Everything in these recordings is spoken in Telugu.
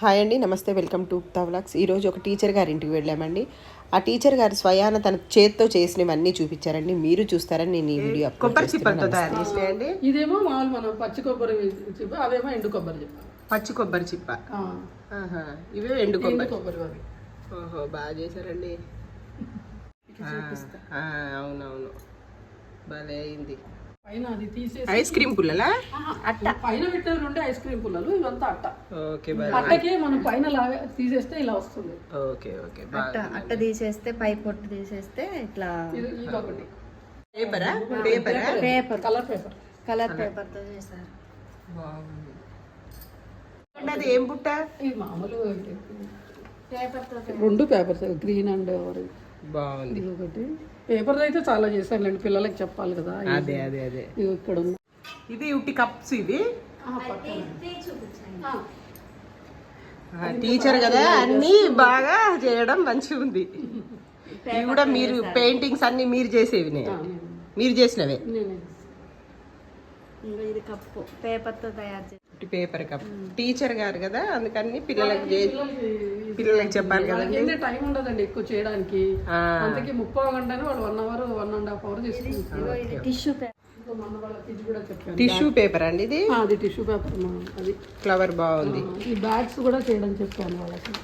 హాయ్ అండి, నమస్తే, వెల్కమ్ టు ఉక్తా వ్లాగ్స్. ఈరోజు ఒక టీచర్ గారి ఇంటికి వెళ్ళామండి. ఆ టీచర్ గారు స్వయాన తన చేత్తో చేసినవన్నీ చూపించారండి. మీరు చూస్తారని నేను ఈ వీడియో కొబ్బరి చిప్పలతో తయారు చేసినాయండి. ఇదేమో మామూలు మనం పచ్చి కొబ్బరి చిప్ప, అవేమో ఎండు కొబ్బరి చిప్ప. పచ్చి కొబ్బరి చిప్ప, ఇవే ఎండు కొబ్బరి. ఓహో, బాగా చేశారండి. అవునవును, భలే అయింది. పైన అది తీసేసి ఐస్ క్రీమ్ పుల్లలా? అట్ట పైన పెట్టిన రెండు ఐస్ క్రీమ్ పుల్లలు, ఇవంతా అట్ట. ఓకే, అట్టకి మనం పైన లాగా తీసేస్తే ఇలా వస్తుంది. ఓకే ఓకే, అట్ట తీసేస్తే పై పొట్టు తీసేస్తే ఇట్లా. ఇది ఒకటి పేపరా? Paper colour paper, colour paper తో చేశారు. అది ఏం బుట్ట? ఇది మామూలు పేపర్ తో రెండు పేపర్స్, గ్రీన్ అండ్ బాగుంది. ఇది ఒకటి పేపర్ అయితే చాలా చేశానులేండి, పిల్లలకి చెప్పాలి కదా. అదే అదే అదే, ఇది ఇక్కడ ఉంది. ఇది ఉట్టి కప్స్. ఇవి టీచర్ కదా, అన్ని బాగా చేయడం మంచిగా ఉంది. ఇవి కూడా మీరు పెయింటింగ్స్ అన్ని మీరు చేసేవి, మీరు చేసినవే. ఇది కప్పు పేపర్ తో తయారు చేసి పేపర్ కప్. టీచర్ గారు కదా, అందుకని పిల్లలకి చెప్పాలి కదా. టైం ఉండదండి ఎక్కువ చేయడానికి, అందుకే 30 గంటనే వాళ్ళు 1 అవర్ 1.5 అవర్ తీసుకుంటారు. ఇది టిష్యూ పేపర్. టిష్యూ పేపర్ అండి ఇది. అది టిష్యూ పేపర్. అది ఫ్లవర్ బాగుంది. ఈ బ్యాగ్స్ కూడా చేయడం చెప్పాను వాళ్ళకి.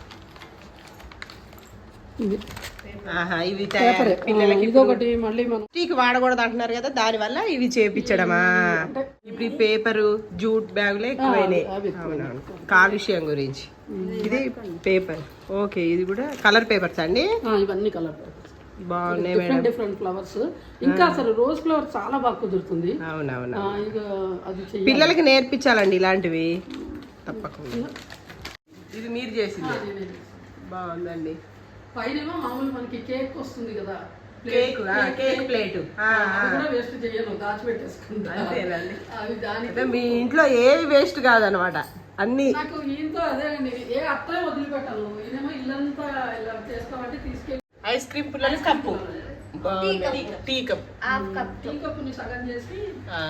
ఇది ఇవి పిల్లలకి ఇదొకటి మళ్ళీ మనం టీకి వాడకూడదు అంటున్నారు కదా, దాని వల్ల ఇవి చేపించడమా. ఇప్పుడు ఈ పేపరు జూట్ బ్యాగులే ఎక్కువైనాయి. అవునవును, కాలుష్యం గురించి. ఇది పేపర్. ఓకే, ఇది కూడా కలర్ పేపర్స్ అండి. ఇవన్నీ కలర్ పేపర్స్ బాగున్నాయి. Different flowers. ఇంకా అసలు రోజ్ ఫ్లవర్ చాలా బాగా కుదురుతుంది. అవునవును, అది పిల్లలకి నేర్పించాలండి ఇలాంటివి తప్పకుండా. ఇది మీరు చేసింది బాగుందండి. పైన మామూలు మనకి కేక్ వస్తుంది కదా, కేక్ ప్లేట్ వేస్ట్ చేయను, దాచిపెట్టేసుకుంటా. అవి దానికి మీ ఇంట్లో ఏవి వేస్ట్ కాదనమాట, అన్ని. నాకు ఈయనతో అదే అండి, ఏ అట్లే వదిలిపెట్టాను. ఈయనేమో ఇల్లంతా ఇలా చేస్తామంటే తీసుకెళ్ళి ఐస్ క్రీమ్ పుల్లలు కప్పు, టీ కప్పుని సగం చేసి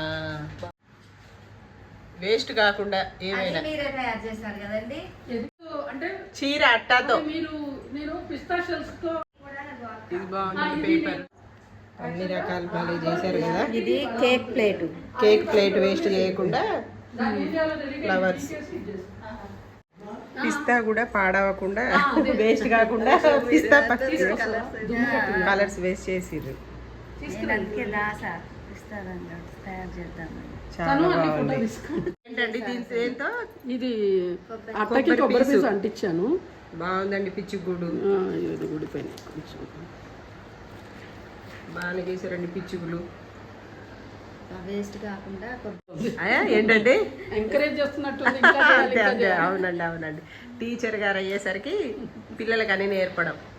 వేస్ట్ కాకుండా ఏమైనా. మీరే తయారు చేశారు కదండి. అంటే చీర అట్టాతో నేను పిస్తా షెల్స్ తో. ఇది బాగుంది పేపర్, అన్ని రకాల భలే చేశారు కదా. ఇది cake plate. Cake plate waste చేయకుండా ఫ్లవర్స్. పిస్తా కూడా పాడవకుండా, వేస్ట్ కాకుండా పిస్తా కలర్స్ వేస్ట్ చేసిర్రు. తయారు చేద్దామని. చాలా బాగుంది. ఏంటండి దీంతో? ఇది అట్టకి కొబ్బరి పీసు అంటించాను. బాగుందండి. పిచ్చి గుడు ఇది ఊడిపోయింది కొంచెం. బాగానే చేశారండి పిచ్చుగులు. వేస్ట్ కాకుండా ఏంటండి ఎంకరేజ్ చేస్తున్నట్టు. అవునండి అవునండి, టీచర్ గారు అయ్యేసరికి పిల్లలకి అన్ని నేర్పడం.